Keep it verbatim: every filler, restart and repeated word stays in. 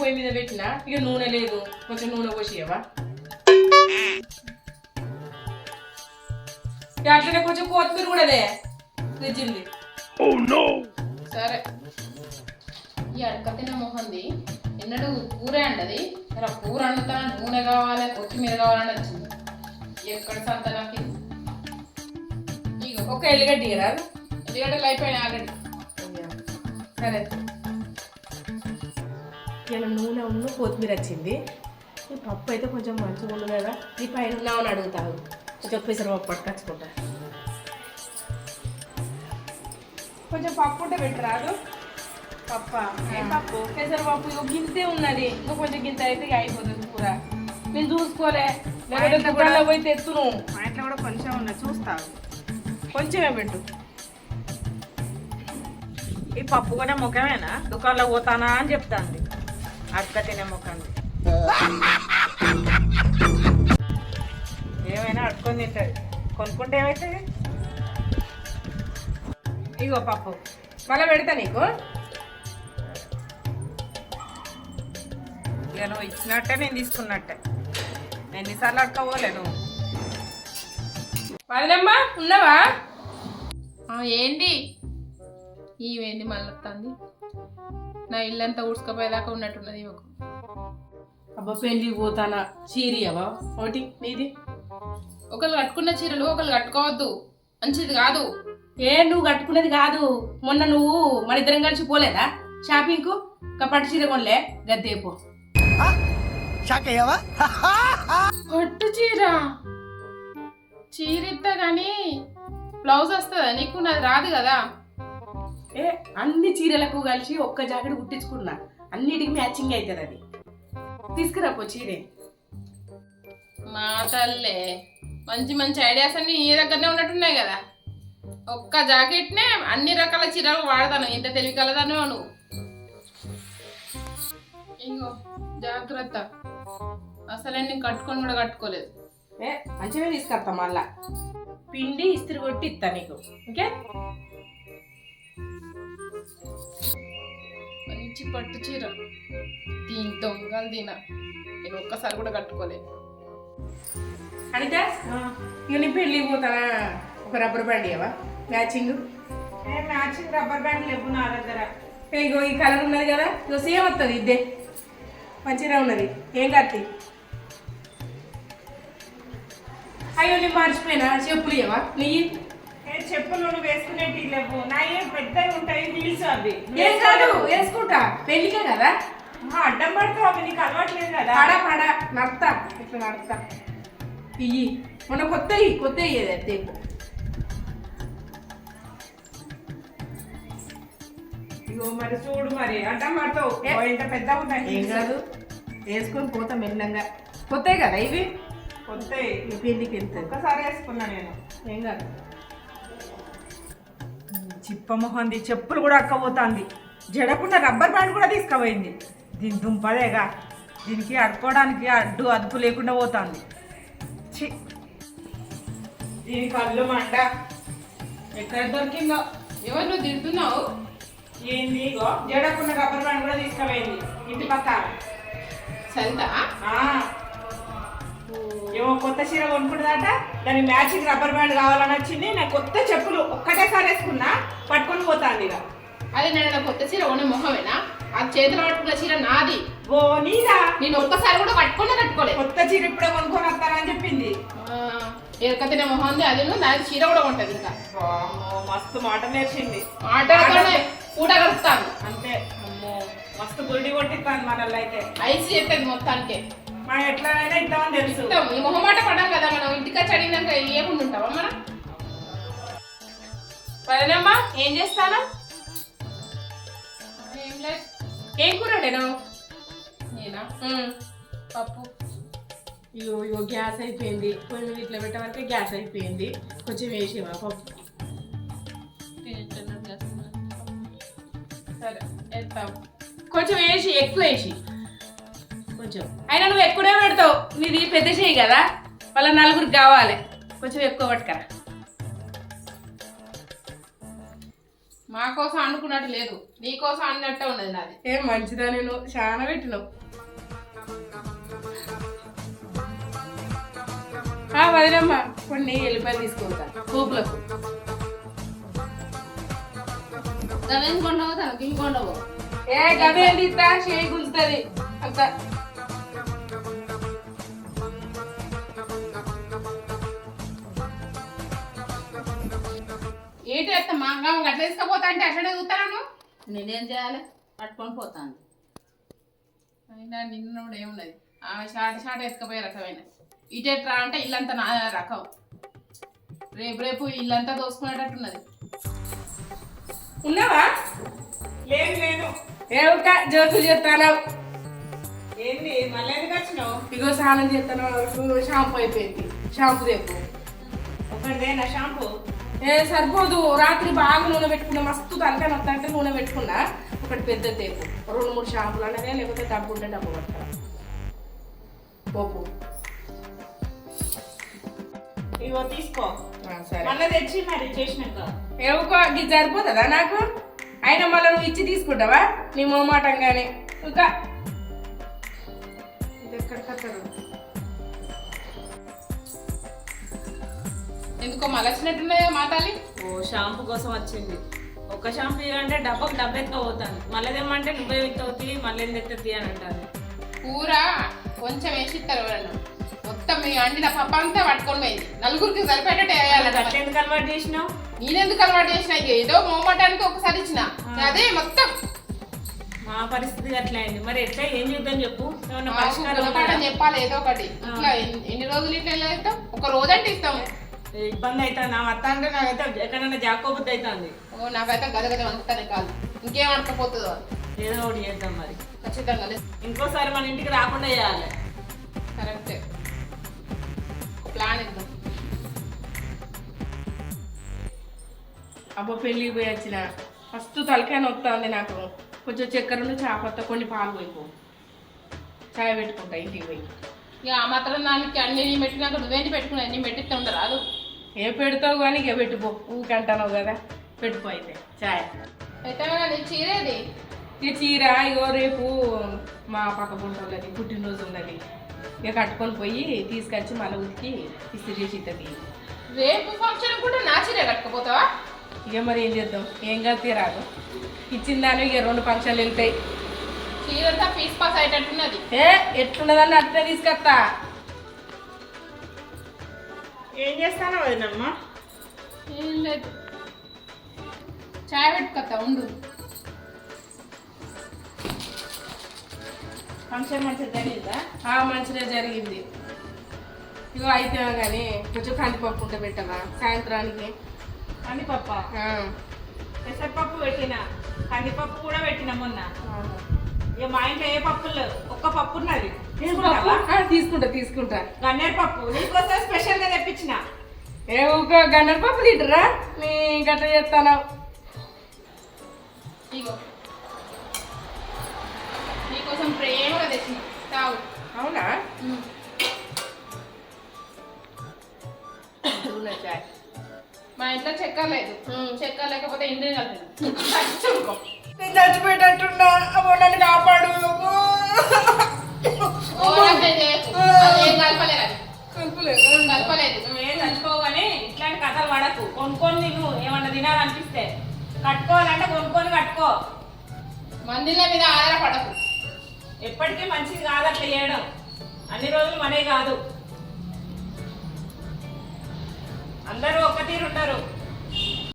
పొయ్యి మీద పెట్టిన ఇక నూనె లేదు కొంచెం నూనె పోసియవా అట్లనే కొంచెం కొత్తిమీర కూడా తెచ్చింది సరే ఈ అడక తిన్న మొహంది ఎన్నడూ కూరే అంటది ఇలా కూర వండుతా నూనె కావాలి కొత్తిమీర కావాలని వచ్చింది ఎక్కడ సంత నాకు ఇగో ఒక ఎల్లిగడ్డ రాదు ఎల్లిగడ్డలు అయిపోయినాయి ఆల్రెడీ సరే ఇలా నూనె ఉన్న కొత్తిమీర వచ్చింది ఈ పప్పు అయితే కొంచెం మంచిగా ఉంది కదా ఈ పైన ఉన్నామని అడుగుతాను కొంచెం పెసరపప్పు పట్టుకొచ్చుకుంటా కొంచెం పప్పు ఉంటే పెట్టరాదు పప్ప పప్పు పెసరపప్పు ఇక గింతే ఉన్నది ఇంకా కొంచెం గింత అయితే ఇక అయిపోతుంది కూర నేను చూసుకోలే లేకపోతే దుకాణంలో పోయి తెచ్చును మా ఇంట్లో కూడా కొంచెం ఉన్నది చూస్తావు కొంచెమే పెట్టు ఈ పప్పు కూడా ముఖమేనా దుకాణంలో పోతానా అని చెప్తాంది అక్క తినే ముఖంది ఏమైనా అడుకొని తింటుంది కొనుక్కుంటే ఏమవుతుంది ఇగో పప్పు మళ్ళీ పెడతా నీకు ఇక నువ్వు ఇచ్చినట్టే నేను తీసుకున్నట్టే నేను ఎన్నిసార్లు అడుకోపోలే నువ్వు వదినమ్మా ఉన్నావా ఏంటి ఇవేంది మళ్ళీ వస్తుంది నా ఇల్లంతా ఊడ్చుకపోయేదాకా ఉన్నట్టున్నది ఒక అబ్బా పెళ్ళికి పోతానా చీరియవా ఒకటి నీది ఒకళ్ళు కట్టుకున్న చీరలు ఒకళ్ళు కట్టుకోవద్దు మంచిది కాదు ఏ నువ్వు కట్టుకునేది కాదు మొన్న నువ్వు మన ఇద్దరం కలిసి పోలేదా షాపింగ్కు ఒక పట్టు చీర కొనలే గద్దేపో పట్టు చీర చీర ఇస్తా కానీ బ్లౌజ్ వస్తుందా నీకు నాది రాదు కదా ఏ అన్ని చీరలకు కలిసి ఒక్క జాకెట్ కుట్టించుకున్నా అన్నిటికి మ్యాచింగ్ అవుతుంది అది తీసుకురాపో చీరే మా తల్లే మంచి మంచి ఐడియాస్ అన్ని నీ దగ్గరనే ఉన్నట్టున్నాయి కదా ఒక్క జాకెట్నే అన్ని రకాల చీరలు వాడతాను ఇంత తెలివి కలదాను నువ్వు ఇంకో జాగ్రత్త అసలే నేను కట్టుకొని కూడా కట్టుకోలేదు ఏ మంచిగా తీసుకొస్తా మళ్ళా పిండి ఇస్త్రీ కొట్టి ఇస్తా నీకు ఓకే మంచి పట్టు చీర దీని దొంగలు తిన నేను ఒక్కసారి కూడా కట్టుకోలేదు అనిత ఇక నీ పెళ్ళికి పోతానా ఒక రబ్బర్ బ్యాండ్ ఇవ్వవా మ్యాచింగ్ మ్యాచింగ్ రబ్బర్ బ్యాండ్ లేవు నా దగ్గర ఇగో ఈ కలర్ ఉన్నది కదా ఇగో సేమ్ వస్తుంది ఇద్దే మంచిగా ఉన్నది ఏం కత్తి అయ్యో నేను మర్చిపోయినా చెప్పులు ఇవ్వవా నీ చెప్పులు నువ్వు వేసుకునేటి లేవు నా ఏం పెద్దవి ఉంటాయి హీల్స్ అవి ఏం కాదు వేసుకుంటా పెళ్ళికే కదా అడ్డం పడతావు అవి నీకు అలవాట్లేదు కదా పడ పడ నడతా ఇట్లా నడతా ఇయ్యి మొన్న కొత్త కొత్త ఇయ్యేది తేపు ఇగో మరి చూడు మరి అడ్డం పడతావు ఇంత పెద్ద ఉంటాయి ఏం కాదు వేసుకొని పోతా మెల్లంగా కొత్త కదా ఇవి కొత్త పెళ్ళికి వెళ్తాయి ఒక్కసారి వేసుకున్నా నేను ఏం కాదు చిప్ప మొహంది చెప్పులు కూడా అక్కపోతుంది జడకుండా రబ్బర్ బ్యాండ్ కూడా తీసుకుపోయింది దీని దుంపదేగా దీనికి అడుకోవడానికి అడ్డు అదుపు లేకుండా పోతుంది చి దీని కళ్ళు మంట ఎక్కడ దొరికిందో ఎవరు నువ్వు తింటున్నావు ఏంది ఇగో జడకుండా రబ్బర్ బ్యాండ్ కూడా తీసుకుపోయింది ఇంటి పక్క సరితా ఏమో కొత్త చీర కొనుక్కుంటుందట దాని మ్యాచింగ్ రబ్బర్ బ్యాండ్ కావాలని వచ్చింది నాకు కొత్త చెప్పులు ఒక్కటేసారి వేసుకున్నా పట్టుకొని పోతాంది ఇక అదే నేను కొత్త చీర కొనే మొహమేనా ఆ చేతిలో పట్టుకున్న చీర నాది ఓ నీదా నేను ఒక్కసారి కూడా కట్టుకున్నా కట్టుకోలేదు కొత్త చీర ఇప్పుడే కొనుక్కొని వస్తానని చెప్పింది ఎరక తినే మొహం ఉంది అది దానికి చీర కూడా ఉంటుంది ఇంకా మస్తు మాట నేర్చింది ఆటోనే పూట కలుస్తాను అంతే అమ్మో మస్తు గుడి కొట్టిస్తాను మనల్ని అయితే ఐసి చెప్పేది మొత్తానికి మనం ఎట్లానైనా ఇద్దామని తెలుసు ఈ మొహమాట పడ్డాం కదా మనం ఇంటికి చదివినాక ఏముండి ఉంటావా మనం పదనమ్మా ఏం చేస్తానా ఏం లేదు ఏం కూర నేను నేనా పప్పు ఇగో ఇగో గ్యాస్ అయిపోయింది కొంచెం ఇట్లా పెట్టవరకే గ్యాస్ అయిపోయింది కొంచెం వేసేవా పప్పు సరే వేస్తావు కొంచెం వేసి ఎక్కువ వేసి కొంచెం అయినా నువ్వు ఎక్కువనే పెడతావు నీది పెద్ద చేయి కదా వాళ్ళ నలుగురికి కావాలి కొంచెం ఎక్కువ పట్టుకరా మా కోసం అనుకున్నట్టు లేదు, నీ కోసం అన్నట్టే ఉన్నది నాది. ఏ మంచిదా, నేను చాలా పెట్టినావు. వదిలమ్మ కొన్ని ఎల్లిపాయలు తీసుకుంటా కూపులకు. గవేం కొండవు తనకి ఇంకొండవు. ఏ గదే తీస్తా, చేయి గుంజుతుంది అంత. ఏంటి అత్త మా అమ్మ గట్ల తీసుకపోతా అంటే అట్లనే చూస్తాను. నేనేం చేయాలి? పట్టుకొని పోతాను. అయినా నిన్న కూడా ఏమున్నది, ఆమె షాట షాట ఎత్తుకపోయే రకమైన. ఇటెట్రా అంటే ఇల్లంతా నా రకం, రేపు రేపు ఇల్లంతా దోసుకునేటట్టున్నది. ఉన్నావా? లేదు లేదు. ఏ ఒక జోకులు చెప్తాను. ఏంది మళ్ళీ ఎందుకు వచ్చినావు? ఇగో స్నానం చేస్తాను, షాంపూ అయిపోయింది. షాంపూ రేపు ఒకటిదేనా షాంపూ? ఏ సరిపోదు, రాత్రి బాగా నూనె పెట్టుకున్నా, మస్తు తలకాయ వస్తా అంటే నూనె పెట్టుకున్నా. ఒకటి పెద్ద తేపు, రెండు మూడు షాంపులు అనేది, లేకపోతే డబ్బు ఉంటే డబ్బు పడతా పోపు. ఇగో తీసుకో, సరే మళ్ళీ తెచ్చి మరి చేసినాక. ఏవుకో ఇది సరిపోతుందా నాకు? అయినా మళ్ళీ నువ్వు ఇచ్చి తీసుకుంటావా నీ మోమాటంగానే? ఇంకా ఇది ఎక్కడ కట్టరు. ఎందుకో మళ్ళీ వచ్చినట్టున్నాయో మా తల్లి. ఓ షాంపూ కోసం వచ్చింది. ఒక షాంపూ ఇవ్వంటే డబ్బకు డబ్బు ఎత్తుకపోతాను. మళ్ళీ ఏమంటే నువ్వే ఎత్తువుతీ, మళ్ళీ ఎందుకు ఎత్తుతీ అని అంటాను. కూర కొంచెం వేసి ఇస్తారు ఎవరన్నా, మొత్తం మీ అండిన పప్ప అంతా పట్టుకొని పోయింది. నలుగురికి సరిపోయేటట్టు వేయాలి. అట్లా ఎందుకు అలవాటు చేసినావు? నేనెందుకు అలవాటు చేసిన, ఏదో మోమటానికి ఒకసారి ఇచ్చిన అదే మొత్తం. మా పరిస్థితి అట్లా అయింది. మరి ఎట్లా ఏం చేద్దాం చెప్పు? ఏమన్నా మాకు పరిష్కారం గుణపాఠం ఉందా? చెప్పాలి ఏదో ఒకటి. ఇట్లా ఎన్ని- ఎన్ని రోజులు ఇట్లా ఎలా ఇస్తాం? ఒక రోజు అంటే ఇస్తాం. ఇబ్బంది అవుతుంది. నా అత్త అంటే నాకైతే ఎక్కడైనా జాకోబుద్ధి అవుతుంది. ఓ నాకైతే గద గద వండుతానే కాదు, ఇంకేం అనుకపోతుందో. ఏదో ఒకటి చేద్దాం మరి. ఖచ్చితంగా లేదు. ఇంకోసారి మన ఇంటికి రాకుండా చేయాలి. కరెక్టే, ఒక ప్లాన్ ఇద్దాం. అబ్బో పెళ్ళికి పోయి వచ్చిన, ఫస్ట్ తలకాయ నొస్తుంది నాకు. కొంచెం చక్కెర చాపత్త కొన్ని పాలు పోయిపో, చాయ్ పెట్టుకుంటా ఇంటికి పోయి. ఇక ఆ మాత్రం దానికి అన్ని నీ పెట్టినాక నువ్వేంటి పెట్టుకున్నా, అన్ని పెట్టిస్తే ఉండరాదు. ఏ పెడతావు కానీ ఇక పెట్టుకో, ఊకంటావు కదా. పెట్టుకో అయితే చాయ్. అయితే నీ చీరేది ఇక చీర ఇగో రేపు మా పక్క పుంటోళ్ళది పుట్టినరోజు ఉన్నది. ఇక కట్టుకొని పోయి తీసుకొచ్చి మళ్ళీ ఉతికి ఇస్త్రీ చేసి ఇస్తుంది. రేపు ఫంక్షన్ కూడా నా చీరే కట్టుకపోతావా? ఇక మరి ఏం చేద్దాం, ఏం కలితే రాదు. ఇచ్చిందాను ఇక రెండు ఫంక్షన్లు వెళ్తాయి. చీరంతా పీస్ పాస్ అయ్యేటట్టున్నది. ఏ ఎట్లున్నదని అట్లే తీసుకొస్తా. ఏం చేస్తానో వదినమ్మా? ఏం లేదు, చాయ్ పెట్టుకొస్తా ఉండు. ఫంక్షన్ మంచిగా జరిగిందా? ఆ మంచిగా జరిగింది. ఇగో అయితే కానీ కొంచెం కందిపప్పు ఉంటే పెట్టవా సాయంత్రానికి? కందిపప్ప, పెసరపప్పు పెట్టినా, కందిపప్పు కూడా పెట్టినా మొన్న. ఇక మా ఇంట్లో ఏ పప్పులు లేవు, ఒక్క పప్పు ఉన్నది. తీసుకుంటావా? తీసుకుంటా తీసుకుంటా. గన్నేరు పప్పు నీకోసం స్పెషల్ గా తెప్పించిన. ఏ ఊక గన్నర పప్పు తింటరా నీ గట్ట చేస్తాను. ఇగో నీకోసం ప్రేమగా తెచ్చిన, తాగు. అవునా? ఉమ్. చాయ్. మా ఇంట్లో చక్కెర లేదు, చక్కెర లేకపోతే ఇండియన్ కలిపిన నేను చచ్చిపోయేటట్టున్నా, అమ్మో నన్ను కాపాడు. కలపలేదు, కలుపులేదు. కలపలేదు. నువ్వేం చచ్చిపోవు కానీ ఇట్లాంటి కథలు పడకు. కొనుక్కొని తిను, ఏమన్నా తినాలనిపిస్తే. కట్టుకోవాలంటే కొనుక్కొని కట్టుకో. మందిల మీద ఆధారపడకు. ఎప్పటికీ మంచిది కాదు అట్లా చేయడం. అన్ని రోజులు మనే కాదు.